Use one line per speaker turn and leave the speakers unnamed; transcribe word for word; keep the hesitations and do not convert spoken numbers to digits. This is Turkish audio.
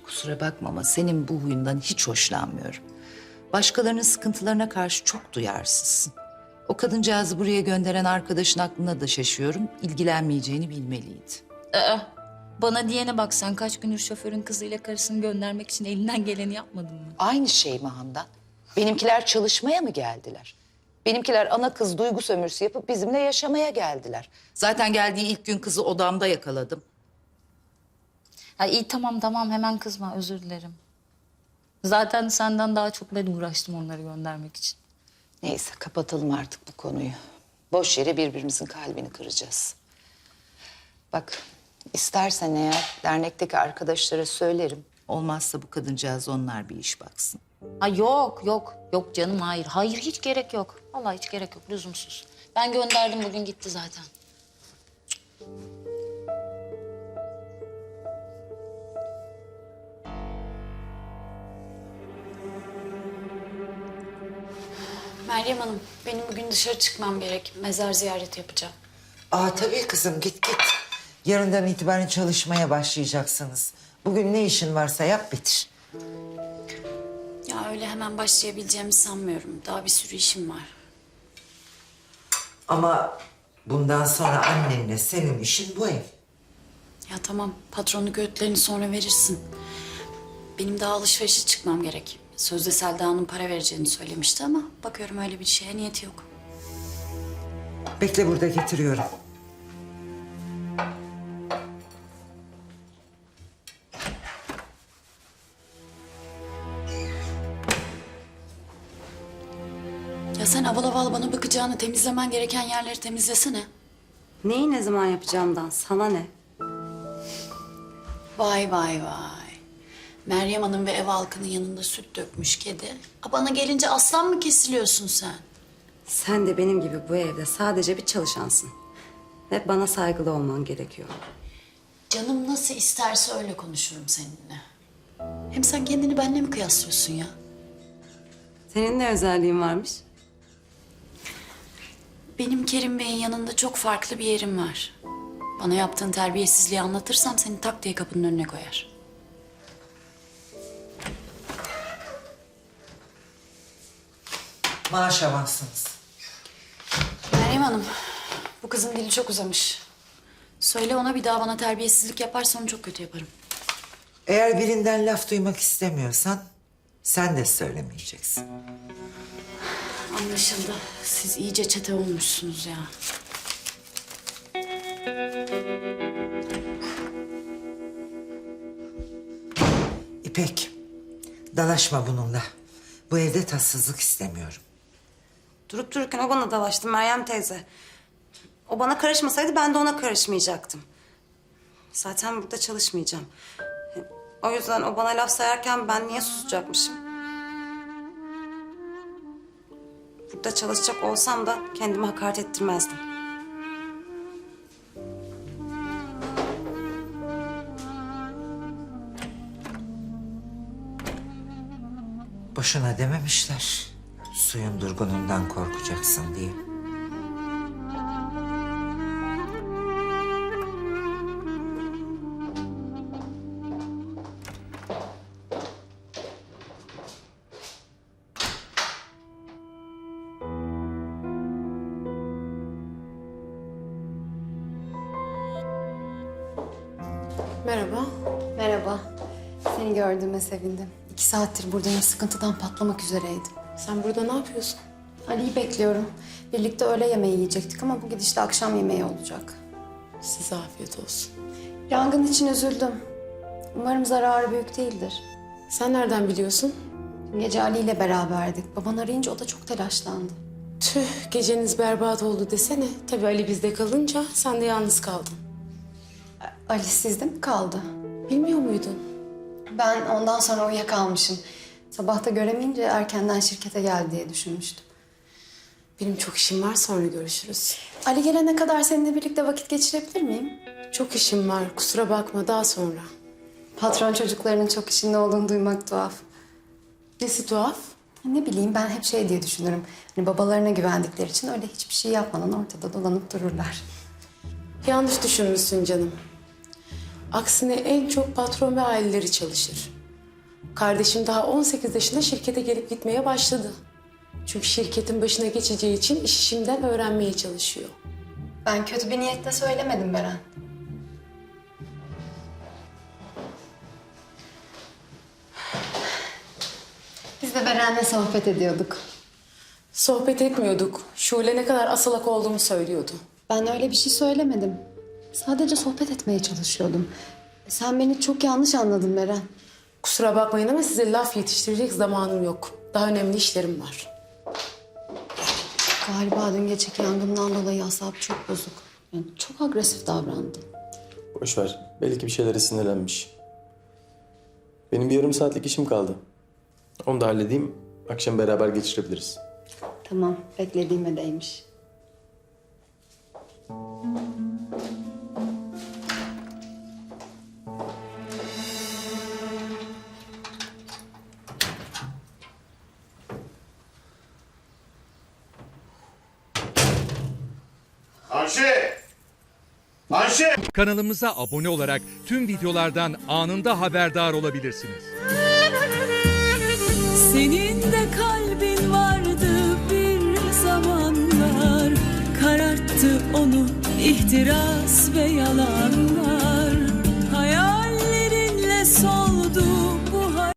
Kusura bakma ama senin bu huyundan hiç hoşlanmıyorum. Başkalarının sıkıntılarına karşı çok duyarsızsın. O kadıncağızı buraya gönderen arkadaşın aklına da şaşıyorum. İlgilenmeyeceğini bilmeliydi.
Aa, bana diyene bak, sen kaç gündür şoförün kızıyla karısını göndermek için elinden geleni yapmadın mı?
Aynı şey mi Handan? Benimkiler çalışmaya mı geldiler? Benimkiler ana kız duygu sömürüsü yapıp bizimle yaşamaya geldiler. Zaten geldiği ilk gün kızı odamda yakaladım.
Ha, iyi tamam tamam, hemen kızma, özür dilerim. Zaten senden daha çok ben uğraştım onları göndermek için.
Neyse kapatalım artık bu konuyu. Boş yere birbirimizin kalbini kıracağız. Bak istersen eğer dernekteki arkadaşlara söylerim. Olmazsa bu kadıncağız onlar bir iş baksın.
Ha yok yok yok canım, hayır. Hayır, hiç gerek yok. Vallahi hiç gerek yok, lüzumsuz. Ben gönderdim, bugün gitti zaten.
Meryem Hanım, benim bugün dışarı çıkmam gerek. Mezar ziyareti yapacağım.
Aa tabii kızım git git. Yarından itibaren çalışmaya başlayacaksınız. Bugün ne işin varsa yap bitir.
Ya öyle hemen başlayabileceğimi sanmıyorum. Daha bir sürü işim var.
Ama bundan sonra annenle senin işin bu ev.
Ya tamam, patronluk öğütlerini sonra verirsin. Benim daha alışverişe çıkmam gerek. Sözde Selda'nın para vereceğini söylemişti ama bakıyorum öyle bir şeye niyeti yok.
Bekle burada getiriyorum.
Ya sen aval aval bana bakacağını, temizlemen gereken yerleri temizlesene.
Neyi ne zaman yapacağımdan sana ne?
Vay vay vay. Meryem Hanım ve ev halkının yanında süt dökmüş kedi. A, bana gelince aslan mı kesiliyorsun sen?
Sen de benim gibi bu evde sadece bir çalışansın. Ve bana saygılı olman gerekiyor.
Canım nasıl isterse öyle konuşurum seninle. Hem sen kendini benimle mi kıyaslıyorsun ya?
Senin ne özelliğin varmış?
Benim Kerim Bey'in yanında çok farklı bir yerim var. Bana yaptığın terbiyesizliği anlatırsam seni tak diye kapının önüne koyar.
Maaş avansınız.
Meryem Hanım, bu kızın dili çok uzamış. Söyle ona, bir daha bana terbiyesizlik yaparsa onu çok kötü yaparım.
Eğer birinden laf duymak istemiyorsan sen de söylemeyeceksin.
Anlaşıldı. Siz iyice çete olmuşsunuz ya.
İpek, dalaşma bununla. Bu evde tatsızlık istemiyorum.
Durup dururken o bana dalaştı Meryem teyze. O bana karışmasaydı ben de ona karışmayacaktım. Zaten burada çalışmayacağım. O yüzden o bana laf sayarken ben niye susacakmışım? Burada çalışacak olsam da kendimi hakaret ettirmezdim.
Boşuna dememişler. Suyun durgunundan korkacaksın diye.
Merhaba.
Merhaba. Seni gördüğüme sevindim. İki saattir buradayım. Sıkıntıdan patlamak üzereydim.
Sen burada ne yapıyorsun?
Ali'yi bekliyorum. Birlikte öğle yemeği yiyecektik ama bu gidişle akşam yemeği olacak.
Size afiyet olsun.
Yangın için üzüldüm. Umarım zararı büyük değildir.
Sen nereden biliyorsun?
Dün gece Ali ile beraberdik. Baban arayınca o da çok telaşlandı.
Tüh, geceniz berbat oldu desene. Tabii Ali bizde kalınca sen de yalnız kaldın.
Ali sizde mi kaldı?
Bilmiyor muydun?
Ben ondan sonra uyuyakalmışım. Sabahta göremeyince erkenden şirkete geldi diye düşünmüştüm.
Benim çok işim var, sonra görüşürüz.
Ali gelene kadar seninle birlikte vakit geçirebilir miyim?
Çok işim var, kusura bakma, daha sonra.
Patron çocuklarının çok işinde olduğunu duymak tuhaf.
Nesi tuhaf?
Ne bileyim, ben hep şey diye düşünürüm. Hani babalarına güvendikleri için öyle hiçbir şey yapmadan ortada dolanıp dururlar.
Yanlış düşünmüşsün canım. Aksine en çok patron ve aileleri çalışır. Kardeşim daha on sekiz yaşında şirkete gelip gitmeye başladı. Çünkü şirketin başına geçeceği için işi şimdiden öğrenmeye çalışıyor.
Ben kötü bir niyetle söylemedim Beren. Biz de Beren'le sohbet ediyorduk.
Sohbet etmiyorduk. Şule ne kadar asalak olduğumu söylüyordu.
Ben öyle bir şey söylemedim. Sadece sohbet etmeye çalışıyordum. Sen beni çok yanlış anladın Beren.
Kusura bakmayın ama size laf yetiştirecek zamanım yok. Daha önemli işlerim var.
Galiba dün geceki yangından dolayı asabı çok bozuk. Yani çok agresif davrandı.
Boş ver. Belki bir şeylere sinirlenmiş. Benim bir yarım saatlik işim kaldı. Onu da halledeyim. Akşam beraber geçirebiliriz.
Tamam, beklediğime değmiş.
Ayşe! Ayşe!
Kanalımıza abone olarak tüm videolardan anında haberdar olabilirsiniz.
Senin de kalbin vardı bir zamanlar, kararttı onu ihtiras ve yalanlar. Hayallerinle soldu